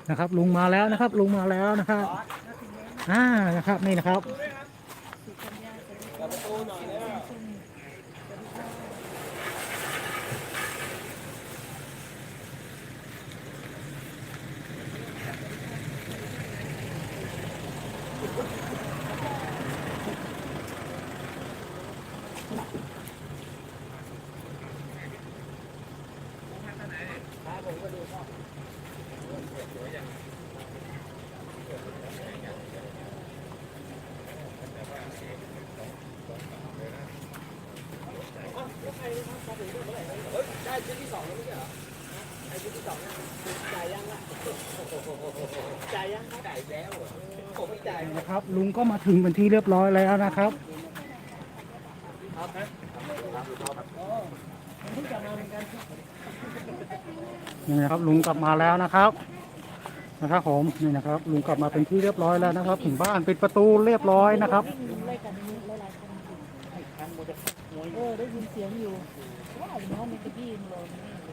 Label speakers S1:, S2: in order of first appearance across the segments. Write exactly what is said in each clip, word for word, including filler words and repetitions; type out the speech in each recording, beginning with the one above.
S1: นะครับลุงมาแล้วนะครับลุงมาแล้วนะครับอ่านะครับนี่นะครับ
S2: ได้ชุดที่สองแล้วไม่ใช่เหรอไอ้ชุดที่สองจ่ายยังล่ะจ่ายยังจ่ายแล้วผมไม่จ่าย
S1: นะครับลุงก็มาถึงเป็นที่เรียบร้อยแล้วนะครับนี่นะครับลุงกลับมาแล้วนะครับนะครับผมนี่นะครับลุงกลับมาเป็นที่เรียบร้อยแล้วนะครับถึงบ้านปิดประตูเรียบร้อยนะครับ
S3: เออได้ยินเสียงอยู่ว่าอยู่ห้องมีตะกี้มันลอย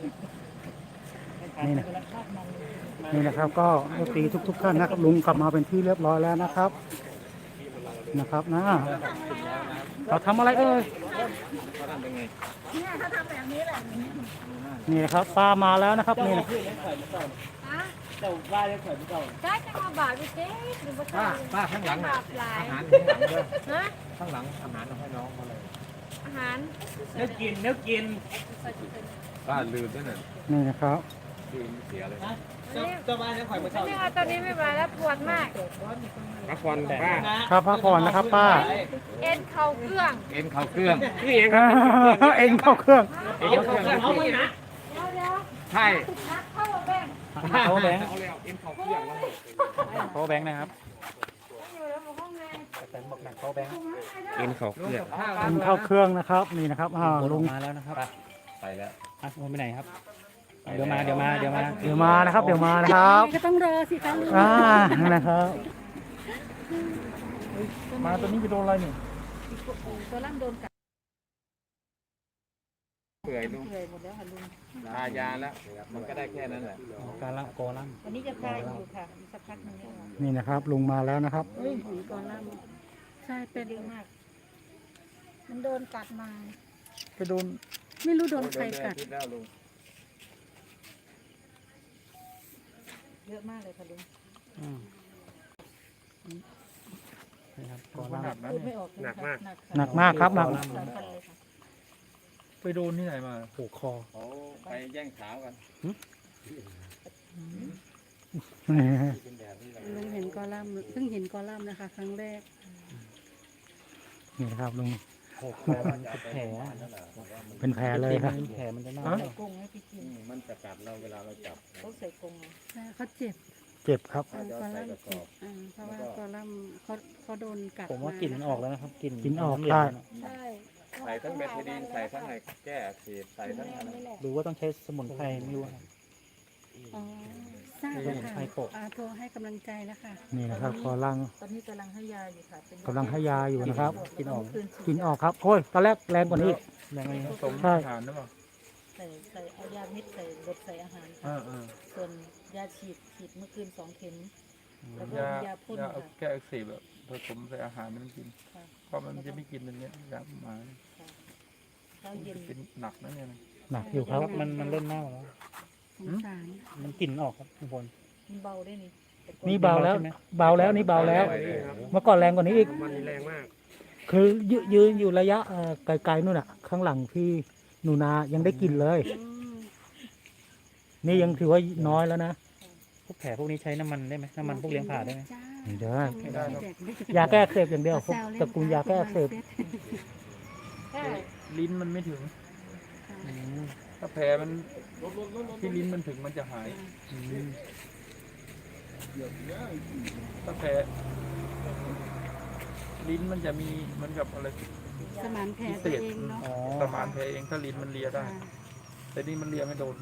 S1: นี่นะนี่นะครับก็ตีทุกๆท่านนะครับลุงกลับมาเป็นที่เรียบร้อยแล้วนะครับนะครับนะเราทำอะไรเอ่ย
S3: เขาทำเป็นไงเนี่ยเขาทำแบบนี้แหละ
S1: นี่นะครับป้ามาแล้วนะครับนี่นะ
S2: เจ้าว่าได้เขินเจ้า
S3: ได้จะมาบาดไปเจ๊หรือว่า
S2: ป้าป้าข้างหลัง
S3: บาดหลาย
S2: อาหารข้างหลังด้วย
S3: ฮะ
S2: ข้างหลังอาหารเอาให้น้องมาเลย
S3: อาหาร
S2: เนื้อกินเนื้อกินป้าลืมด้วยน่ะ
S1: นี่นะครับ
S2: ลืมเสียเลยเจ้าเจ้าบ้านจะคอยมาเช่า
S3: ไม่เอาตอนนี้ไม่ไหวแล้วปวดมาก
S2: พักผ่อนป้า
S1: ครับพักผ่อนนะครับป้า
S3: เอ็นเข่าเครื่อง
S2: เอ็นเข่าเครื่องนี่เอง
S1: เอ็นเข้าเครื่อง
S2: เอ็นเข่าเครื่องเอาไปนะ
S3: เดี๋ยวเดี๋ยว
S2: ใช่
S3: เข้าแบงค์
S1: เข้าแบงค์
S2: เอาแล้วเอ็นเข่าเครื่อง
S1: เข้าแบงค์นะครับ
S3: อยู่แล้วห้องไง
S1: แต่บอกหนักเข้าแบงค์
S2: เอ็นเข่าเครื่อง
S1: เอ็นเข้าเครื่องนะครับนี่นะครับอ่าลุง
S2: มาแล้วนะครับไปแล้ว
S1: อ่ะลุงไปไหนครับเดี๋ยวมาเดี๋ยวมาเดี๋ยวมาเดี๋ยวมานะครับเดี๋ยวมานะครับ
S3: ก็ต้องรอสิคะลุง
S1: อ่านะครับมาตัวนี้ไปโดนอะไรนี่
S3: ตัวล่ำโดนกัด
S2: เปื่อยลุง
S3: เปื่อยหมดแล้วค่ะลุง
S2: ทายาแล้วมันก็ได้แค่นั้นแหละ
S1: การละกอล่
S3: วันนี้จะทายอยู่ค่ะสักพักนึง
S1: นี่นะครับลุงมาแล้วนะครับ
S3: เฮ้ยหุ่นกอล่ำใช่เป็นเยอะมากมันโดนกัดมา
S1: ไปโดน
S3: ไม่รู้โดนใครกัดเยอะมากเลยค่ะลุง
S1: นะครับกอล่ำ
S3: พูดไม่ออก
S2: หนักมาก
S1: หนักมากครับหนัก
S2: ไปโดนที่ไหนมา
S1: ผูกคอ
S2: เขาไปแย่งขากัน
S3: ลุงเห็นกอลัมน์เพิ่งเห็นกอลัมน์นะคะครั้งแรก
S1: นี่นะครับลุง
S2: แผล
S1: เป็นแผลเลยครับ
S2: แผลมันจะน่ามันจะกัดเราเวลาเราจับ
S3: เขาใส่กรงเขาเจ็บ
S1: เจ็บครับ
S3: กอลัมน์เจ็บเพราะว่ากอลัมน์เขาเขาโดนกัด
S1: ผมว่ากลิ่นมันออกแล้วนะครับกลิ่น
S3: กลิ่
S1: นออกใช่
S3: ใช่
S2: ใส่ทั้งเบทาดีนใส่ทั้งอะไรแก้อักเสบใส่ทั้งอะไร
S1: หรือว่าต้องใช้สมุนไพรไม่รู้
S3: อ๋อทราบแล้วค่ะโทรให้กำลังใจแล้วค่ะ
S1: นี่นะครับกำลัง
S3: ตอนนี้กำลังให้ยาอยู่ค่ะ
S1: กำลังให้ยาอยู่นะครับกินออกกินออกครับโอ้ยตอนแรกแรงกว่านี้
S2: แรงกว่านี้สม
S1: ใช่
S2: ทานหรือเปล่า
S3: ใส่ใส่เอายาเม็ดใส่บดใส่อาหารส่วนยาฉีดฉีดเมื่อคืนสองเข็มแล้วก็ยาพ่นค่ะ
S2: แก้อักเสบแบบผสมใส่อาหารมันกินเพราะมันจะไม่กินเป็นเนี้ยยาหมาเป็นหนักนะเนี่ย
S1: หนักอยู่ครับมันมันเล่นเน่าแล้วมันกลิ่นออกครับทุกคน
S3: มันเบาได้นี่
S1: นี่เบาแล้วเบาแล้วนี่เบาแล้วเมื่อก่อนแรงกว่านี้อีก
S2: มันแรงมาก
S1: คือยืนอยู่ระยะไกลๆนู่นอ่ะข้างหลังพี่หนูนายังได้กลิ่นเลยนี่ยังถือว่าน้อยแล้วนะพวกแผลพวกนี้ใช้น้ำมันได้ไหมน้ำมันพวกเลี้ยงผ่าได้ไหมไม่ได้ยาแก้อักเสบอย่างเดียวพวกตระกูลยาแก้อักเสบ
S2: ลิ้นมันไม่ถึงถ้าแผลมันที่ลิ้นมันถึงมันจะหายถ้าแผลลิ้นมันจะมีเหมือนกับอะไร
S3: สมานแผลเองเนาะ
S2: สมานแผลเองถ้าลิ้นมันเลียได้แต่นี่มันเลียไม่โดน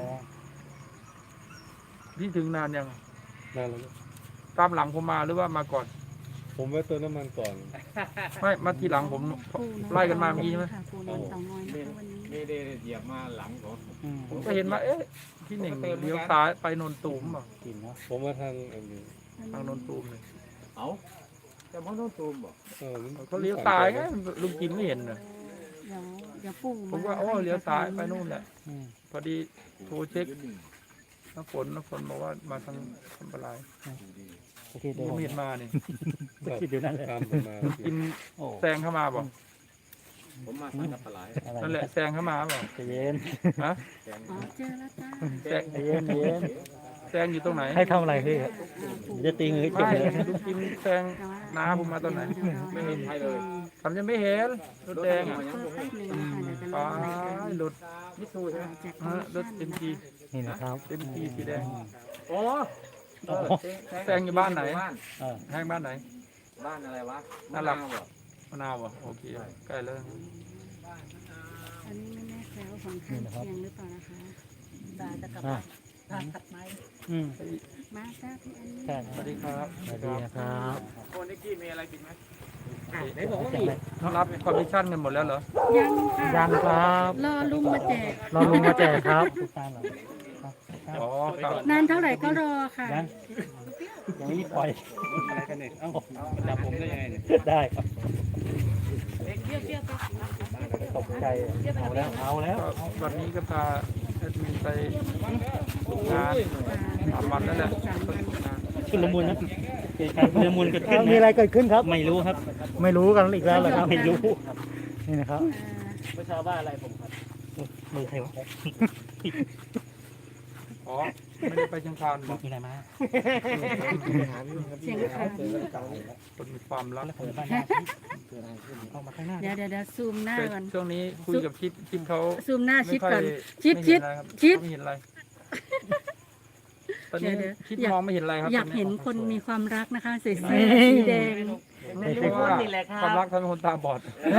S2: พี่ถึงนานยัง
S4: นานแล้ว
S2: ตามหลังผมมาหรือว่ามาก่อน
S4: ผมไว้เติมน้ำมันก่อน
S2: ไม่มาทีหลังผมไล่กันมาเมื่อกี้ใช่ไหม
S4: ไม่ได้เหยียบมาหลังผม
S2: ผมก็เห็นมาเอ๊ะที
S5: พี่หนึ่งเลี้ยวซ้ายไปนนตูมอ่ะ
S1: กินเนาะ
S4: ผมมาทางอันนี้
S5: ทางนนตูมเลย
S2: เอาแต่มันต้องตูมบ่
S4: เออมัน
S5: เขาเลี้ยวซ้ายไงลุงกินไม่เห็นเลย
S3: เดี๋ยวเดี๋ยวปู่
S5: ผมว่าโอ้เลี้ยวซ้ายไปนู่นแหละ
S1: อืม
S5: พอดีโทรเช็คน้ำฝนน้ำฝนบอกว่ามาทางทำอะไร
S1: จะคิดดู
S5: ยังไม่เห็นมานี่
S1: จะคิดดูนั่นแหละ
S4: ตามผมมา
S5: กิน
S1: โอ้
S5: แซงเข้ามาบอก
S2: ผมมาสังกับปลาไหล
S1: อะไร
S5: นั่นแหละแซงเข้ามาบอก
S1: ใจเย็น
S5: ฮะ
S3: อ๋อเจอแล้วจ้า
S5: แซง
S1: ใจเย็นใจเย็น
S5: แซงอยู่ตรงไหน
S1: ให้ทำอะไรพี่จะตีมือจบ
S5: ไม่
S1: เลย
S5: ลุงกินแซงน้าผมมาตอนไหน
S2: ไม่เห็นใครเลย
S5: ทำยังไม่เห็นรถแดงอ่ะ
S3: เพิ่มแป๊บนึงนะคะเดี๋ยวจะ
S5: ไป
S3: ลง
S5: รถ
S2: มิสูใช่ไหม
S3: จาก
S5: ฮะรถเอ็มจี
S1: นี่นะครับ
S5: เอ็มจีสีแดง
S2: โอ้
S5: แซงอยู่บ้านไหน
S2: บ้าน
S1: เออ
S5: แห้งบ้านไหน
S2: บ้านอะไรวะ
S5: น่ารัก
S2: มะวบ่
S5: มะนาวอ่ะโอเคใกล้แล้ว
S3: อันนี้ไม่แน่ใจว่าของข้างเคียงหรือเปล่านะคะตาจะกลับ
S1: อ่ะ
S3: บ้านทานตัดไม้
S1: อืม
S3: มาจ้าพี่อันนี้
S1: ใช่
S5: สวัสดีครับ
S1: สวัสดีนะครับ
S2: คนนิกกี้มีอะไรกินไหม
S3: ไหนบอกว่ามี
S5: รับคอมมิชชั่นกันหมดแล้วเหรอ
S3: ยังค่ะ
S1: ยังครับ
S3: รอลุงมาแจก
S1: รอลุงมาแจกครับทุกท่านเหรอ
S5: อ๋อครับ
S3: นานเท่าไหร่ก็รอค่ะ
S1: ยังยังไม่ปล่อย
S4: อะไรกันเนี่ยเอ้าจับผมได้ยังไงเนี่ย
S1: ได้ครับ
S3: เปรี้ยวเปรี้ยวไป
S1: ตกใจเอาแล้วเอาแล้ว
S5: ก็วันนี้ก็พาแอดมินไปงานสามวันแล้วแหละ
S1: ชุลมุนนะเกิดการชุลมุนเกิดขึ้นมีอะไรเกิดขึ้นครับ ไม่รู้ครับ ไม่รู้กันอีกแล้วเหรอครับไม่รู้นี่นะครับ
S2: เมื่อเช้าบ้านอะไรผมครับ
S1: มือใครวะ
S5: อ๋อไม่ได้ไปเชียงคานบอก
S1: มีอะไรมา
S3: เสียงค่ะ
S5: คนมีความรัก
S1: แล้วผมบ้านหน้าเข้ามาข้างหน้า
S3: เดี๋ยวเดี๋ยวเดี๋ยวซูมหน้า
S5: แต่
S3: ก่อน
S5: ช่วงนี้คุยกับชิดชิดเขา
S3: ซูมหน้าชิด
S5: ไม่ค่อย
S3: ก่อนชิด
S5: ไม่
S3: ชิ
S5: เห็
S3: ด
S5: นอะไรครับ
S3: ชิด
S5: ไม่เห็นอะไรตอนนี้
S3: เดี๋ยว
S5: ชิด
S3: อยาก
S5: มองไม่เห็นอะไรครับ
S3: อยาก
S5: ต
S3: เห็น
S5: นี้
S3: คนมีความรักนะคะใส่เสื้อสีแดง
S5: เพราะว่าความรักทำให้คนตาบอด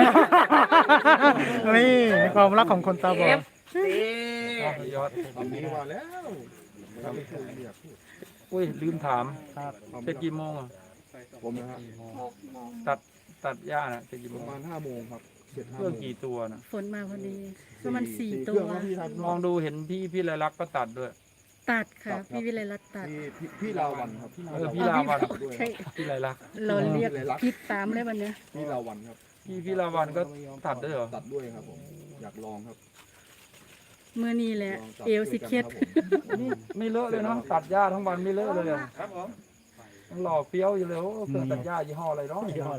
S1: นี่ในความรักของคนตาบอด
S5: ยอด
S4: ทำนี้ว่าแล้ว
S5: อุ้ยลืมถาม
S1: ครับ
S5: เสร็จกี่โมงอ่ะ
S4: ผมนะฮะ
S5: ตัดตัดหญ้าน่ะเสร็จกี่
S4: ป
S5: โม
S4: ระ
S5: ง
S4: มาณห้าโมงครับเจ็ด
S5: เค
S4: ห้า
S5: รื่อง
S4: โมง
S5: กี่ตัวน่ะ
S3: ฝนมาพอดีประมาณสี่
S4: เค
S3: ตั
S4: รื่
S3: ว
S4: องครับพี่ครับ
S5: มองดูเห็นพี่พี่ไรลักษณ์ก็ตัดด้วย
S3: ตัดค่ะ พี่วิไลรัตน์ตัด
S4: พี่พี่พี่ลาวันครับ
S5: เออพี่ลาวัน
S3: ใช่
S5: พี่ไรลักษณ์
S3: เราเรียกพิษตามเลยวันเนี้ย
S4: พี่ลาวันครับ
S5: พี่พี่ลาวันก็ตัดด้วยเหรอ
S4: ตัดด้วยครับผมอยากลองครับ
S3: เมื่อนี้แหละ
S4: ลองตัด
S3: เอวสิเคล็ด
S4: ด้วยกันครับผม
S5: นี่ไม่เลอะเลยเนาะตัดหญ้าทั้งวันไม่เลอะเลยอะ
S2: ครับผม
S5: ยังหล่อเฟี้ยวอยู่เลยโอ้เครื่องตัดหญ้ายี่ห้ออะไรเนาะ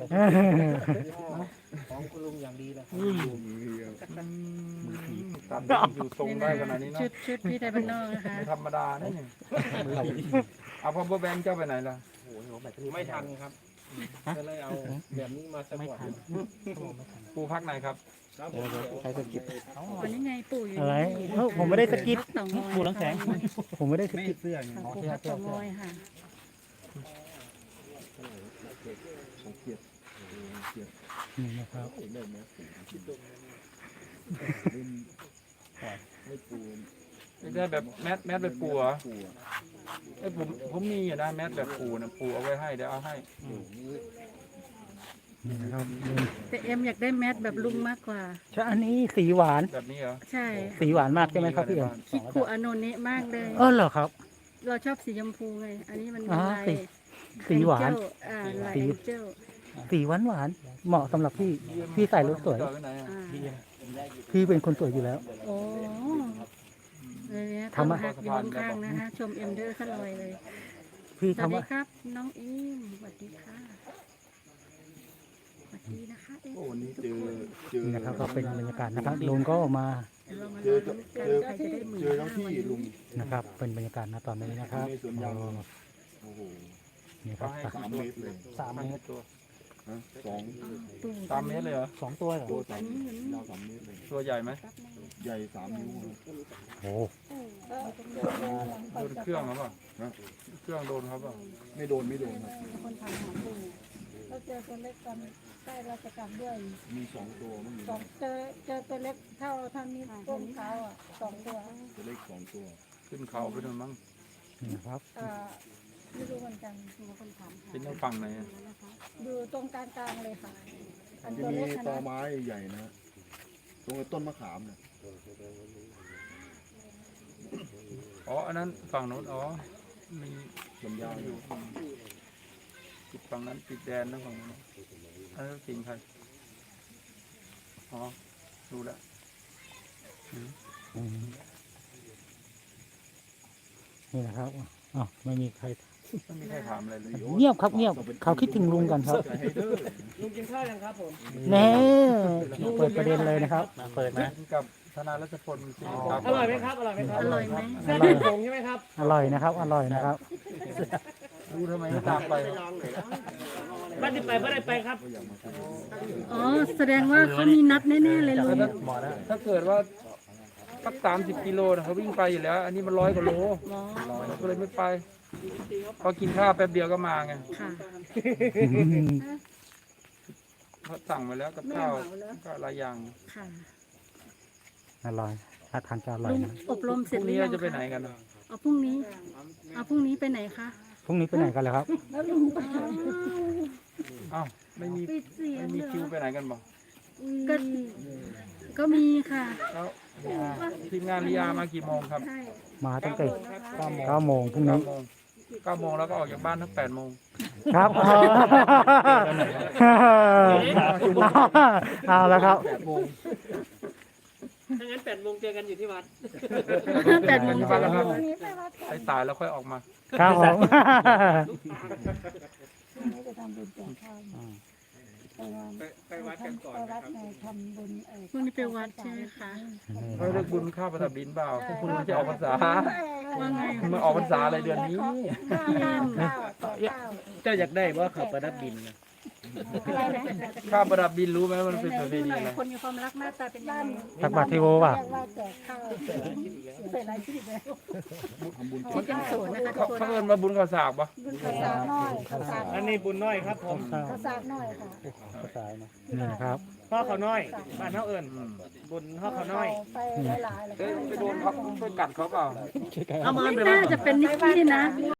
S2: ของคุณลุงอย่างดีเลย
S5: นี่
S4: มีครับ
S5: อืมตัดอยู่ทรงได้ขนาดนี้
S3: ชุ
S5: เนาะ
S3: ดชุดพี่ไทยบ้านนอกนะคะ
S5: ไม่ธรรมดานะเนี่ยเอาพอเบอร์แบงค์เจ้าไปไหนล่ะ
S2: ไม่ทันครับก็เลยเอาแบบนี้มาสปอร์ต
S5: ปูพักไหนครับ
S1: ใครสกิป
S3: วันนี้ไงปู่อยู่
S1: อะไรเอ้าผมไม่ได้สกิป
S3: พัเต่างอย
S1: ปูน้ำแข็งผมไม่ได้สกิป
S3: ค่ะปู่พักเต่างอยค่ะ
S4: ของเกียรติเกียรติ
S1: นี่นะครับ
S4: เริ่มแล้วเริ่มไม่ปู
S5: ได้แบบแมสแมสแบบปูเหรอ
S4: ปู
S5: ไอ้ยผมผมมีอยู่นะแมสแบบปูนะปูเอาไว้ให้เดี๋ยวเอาให้
S1: นี่นะครับ
S3: แต่เอ็มอยากได้แมทแบบลุงมากกว่า
S1: ใช่อันนี้สีหวาน
S5: แบบนี้เหรอ
S3: ใช่
S1: สีหวานมากใช่ไหมครับพี่เอ็ม
S3: คิดคู่อโนเนะมากเลย
S1: เออเหรอครับ
S3: เราชอบสีชมพูไง อันนี้มันมี
S1: อ่า
S3: ลาย
S1: สีสีหวาน
S3: แองเจิลอ่าลาย
S1: สี
S3: แองเจิล
S1: สีหวานหวานๆเหมาะสำหรับพี่พี่ใส่แล้วสวย
S5: จอดไว้ไหนอะ
S3: อ่า
S1: พี่เป็นคนสวยอยู่แล้ว
S3: โอ้เลยเนี่ย
S1: ทำ
S3: ทำ
S1: อะ
S3: หักอยู่ข้างๆนะคะ ชมเอ็มเดอร์ขลอยเลย
S1: พี่
S3: สวัส
S1: ทำ
S3: ดี
S1: ว่า
S3: ครับ น้องอิมสวัสดีค่ะสวัสดีนะคะเอ็ม
S4: โอ้วันนี้เจอเจอ
S1: นี่นะครับก็เป็นบรรยากาศนะครับลุงก็มา
S3: เดี๋ยวเรามา
S4: เจ
S3: ลุ้
S4: อน
S3: กัน
S4: เจอ
S3: ใครจะได้หมื่น
S4: เจอทั้
S3: ห้าง
S4: ที่
S3: วัน
S4: ลุง
S3: นี้
S1: นะครับ เป็นบรรยากาศณตอนนี้นะครับ
S4: ในสวนยาง
S1: อ๋อ
S4: โอ้โห
S1: นี่ครับ
S5: ให้
S4: สามเมตรเลย
S1: สามเมตร
S5: ตัว
S4: ฮะสอง
S3: ปู่
S5: สามเมตรเลยเหรอ
S1: สองตัวเหรอ
S4: ตัวสามยาวสามเมตรเลย
S5: ตัวใหญ่ไหม
S4: ใหญ่สามนิ้วครับ
S1: โอ้
S5: โดนเครื่องเขาเปล่า
S4: ฮะ
S5: เครื่องโดนเขาเปล่า
S4: ไม่โดนไม่โดนครับ
S3: คนทำหาปู่เราเจอตัวเล็กตอนใกล้ราชการด้วย
S4: มีสองตัวไม่มี
S3: สองเจอเจอตัวเล็กเท่าเท่านี้ก้มเท้าอ่ะสองตัว
S4: ตัวเล็กสองตัว
S5: ขึ้นเขาไปนู่นมั้ง
S1: นี่นะครับ
S3: เอ่อไม่รู้เหมือนกันมีคนถามหา
S5: เป็นทางฝั่งไหนอะ
S3: อยู่ตรงกลางกลางๆเลยค่ะ อัน
S4: จะ
S3: ตัว
S4: มี
S3: เล็กนะ
S4: ตอไม้ใหญ่นะฮะตรงกับต้นมะขามเนี่ย
S3: ต
S5: อ๋ออันนั้นฝั่งโน้นอ๋อมี
S4: ลำยาว
S5: อยู่ติดฝั่งนั้นติดแดนนะฝั่งนั้นอันนั้นจริงใครอ๋อดูแล้ว
S1: อืมนี่นะครับอ๋อไม่มีใคร
S5: ไม่มีใครถามอะไรเลย
S1: เงียบครับเงียบเขาคิดถึงลุงกันครับ
S2: ลุงกินข้าวยังครับผม
S1: แน่เปิดประเด็นเลยนะครับเปิดนะ
S5: กับธนารัชพลจริงครับ
S2: อร่อยไหมครับอร่อยไหมครับ
S3: อร่อยไหม
S2: เส้นเป็นผงใช่ไหมครับ
S1: อร่อยนะครับ อร่อยนะครับ
S5: ดูทำไมไม่ตามไป
S2: บ้านที่ไปไม่ได้ไปครับ
S3: อ๋อแสดงว่าเขามีนัดแน่ๆเลยลุง
S5: ถ้าเกิดว่าสักสามสิบกิโลนะเขาวิ่งไปอยู่แล้ว อันนี้มันร้อยกว่าโล
S3: หมอ
S5: ก็เลยไม่ไปพอกินข้าวแป๊บเดียวก็มาไง
S3: ค่ะ
S5: เขาสั่งมาแล้วกับข้าวก็หลายอย่าง
S3: ค่ะ
S1: อร่อยถ้าทานจะอร่อย
S3: ลุง
S1: นะ
S3: อบรม
S5: พ
S3: เสร็จ
S5: รุ่ง
S3: หรื
S5: นี้
S3: อยั
S5: เรา
S3: ง
S5: จะไปไหน
S3: คะ
S5: กันนะ
S3: เอาพรุ่งนี้เอาพรุ่งนี้ไปไหนคะ
S1: พรุ่งนี้ไปไหนกันเลยครับ
S5: อ้าวไม่มีไม่มีคิวไปไหนกันบอก
S3: ก็ก็มีค่ะ
S5: แล้วทีมงานลีอามากี่โมงครับ
S1: มาตั้งแต่
S5: เก้าโมง
S1: เก้าโมงพรุ่ง
S5: เก้า
S1: นี้
S5: โมงเก้าโมงแล้วก็ออกจากบ้านทั้งแปดโมง
S1: ครับเอาแล้วครับ
S2: ถ้างั้นแปดโมงเจอกันอยู่ที่วัด
S3: แปดโมง
S5: ที่บ้านแล้วครับไปสายแล้วค่อยออกมา
S1: ครับผม
S2: ไปวัดกันก่อนนะครับ
S3: พรุ่งนี้ไปวัดใช่ไหมคะ
S5: เฮ้ยเรื่องบุญข้าวประดับดินเปล่าคุณมันจะออกพรรษา
S3: ว่าไง
S5: มันออกพรรษาอะไรเดือนนี้
S2: เจ้าอยากได้ว่าเขาประดับดินนะ
S5: ข้าวประดับดินรู้ไหมมันเป็นประเพณีอะไร
S3: คนมีความรักหน้าตาเป็นยังไง
S1: ตักบาตรทีโวป่ะ
S3: ที่ยังโสดนะคะทุ
S5: เขา
S3: กคน
S5: เขาเอินมาบุญข้าวสากปะ
S2: อันนี้บุญน้อยครับผม
S1: นี่นะครับ
S2: พ่อเขาน้อยบ้านเขาเอิญบุญพ่อเขาน้อย
S5: เอ้ยไปโดนเขาไปกัดเขาเปล่า
S2: เอามา
S3: ไม่
S2: ไป
S3: น่าจะเป็นนิกกี้นะ